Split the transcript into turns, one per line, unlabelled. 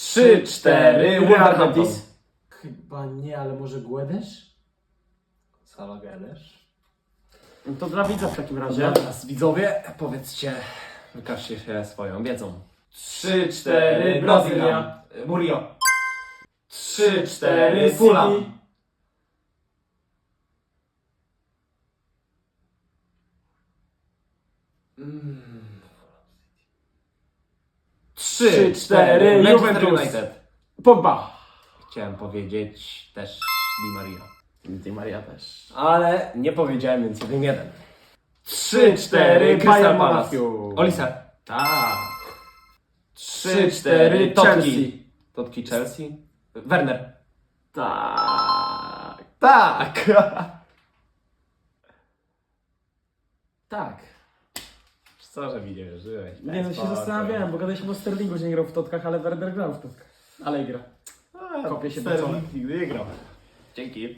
3, 4, Wolverhampton.
Chyba nie, ale może Guedes?
Sala Gledesz.
To dla widza w takim razie.
Dobra, widzowie, powiedzcie, wykażcie się swoją wiedzą.
3, 4, Brazylia.
Murillo.
3, 4, Fulham. 3, 4,
Manchester
Juventus.
United.
Pogba.
Chciałem powiedzieć też Di Maria.
Di Maria też.
Ale nie powiedziałem, więc 1-1.
3, 4,
Crystal
Bayern
Palace.
Monachium.
Olise.
Tak.
3, 4,
Chelsea.
Totki Chelsea. Werner.
Tak. Tak.
Tak. Co, że mi nie wierzyłeś?
Nie no, się zastanawiałem, bo gadaliśmy o Sterlingu, że nie grał w totkach, ale Werder grał w totkach. Ale gra. Kopię się do czoła.
Nigdy nie grał. Dzięki.